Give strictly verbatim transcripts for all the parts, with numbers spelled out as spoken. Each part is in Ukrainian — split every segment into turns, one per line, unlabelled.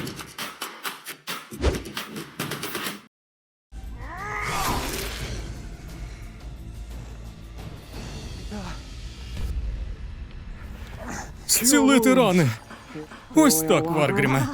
Зцілити рани. Ось так, Варгріме.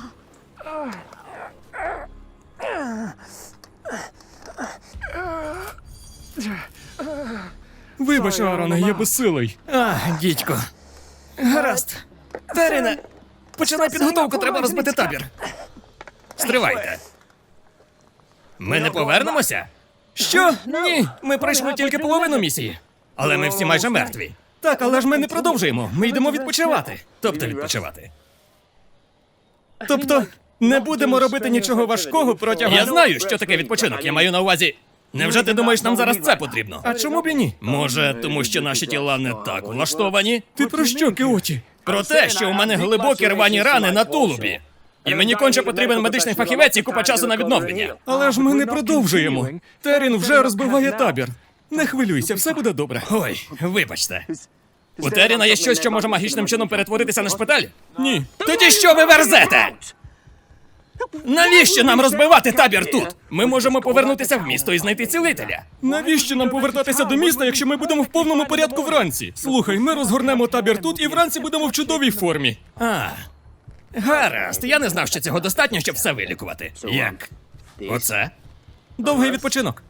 Вибач, Аароне, я безсилий.
А, дідько. Гаразд. Теріне, починай підготовку, треба розбити табір. Стривайте. Ми не повернемося? Що? Ні, ми пройшли тільки половину місії. Але ми всі майже мертві. Так, але ж ми не продовжуємо. Ми йдемо відпочивати. Тобто відпочивати. Тобто, не будемо робити нічого важкого протягом... Я знаю, що таке відпочинок. Я маю на увазі... Невже ти думаєш, нам зараз це потрібно? А чому б і ні? Може, тому що наші тіла не так влаштовані?
Ти про що, Кеоті?
Про те, що у мене глибокі рвані рани на тулубі. І мені конче потрібен медичний фахівець і купа часу на відновлення.
Але ж ми не продовжуємо. Терін вже розбиває табір. Не хвилюйся, все буде добре.
Ой, вибачте. У Теріна є щось, що може магічним чином перетворитися на шпиталь?
Ні.
Тоді що ви верзете? Навіщо нам розбивати табір тут? Ми можемо повернутися в місто і знайти цілителя.
Навіщо нам повертатися до міста, якщо ми будемо в повному порядку вранці? Слухай, ми розгорнемо табір тут і вранці будемо в чудовій формі.
А, гаразд. Я не знав, що цього достатньо, щоб все вилікувати. Як? Оце?
Довгий відпочинок.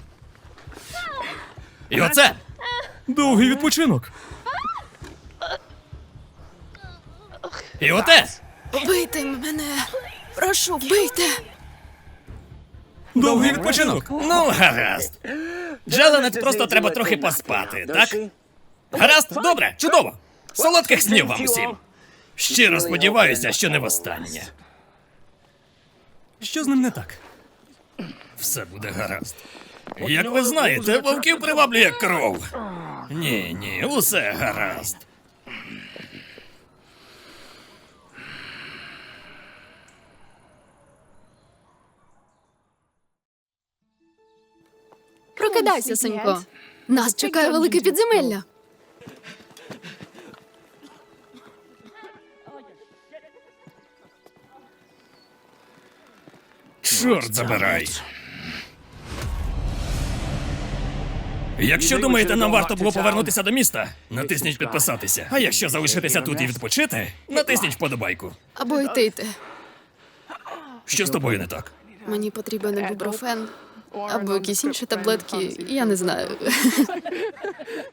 І оце?
Довгий відпочинок.
І оте?
Вбийте мене. Прошу, вбийте.
Довгий відпочинок.
Ну, гаразд. Джеленет просто треба трохи поспати, так? Гаразд, добре, чудово. Солодких снів вам усім. Щиро сподіваюся, що не востаннє.
Що з ним не так?
Все буде гаразд. Як ви знаєте, вовків приваблює кров. Ні, ні, усе гаразд.
Прокидайся, синько. Нас чекає велике підземелля.
Чорт забирай. Якщо думаєте, нам варто було повернутися до міста, натисніть підписатися. А якщо залишитися тут і відпочити, натисніть вподобайку.
Або йти йти.
Що з тобою не так?
Мені потрібен ібупрофен. Або якісь інші таблетки, я не знаю.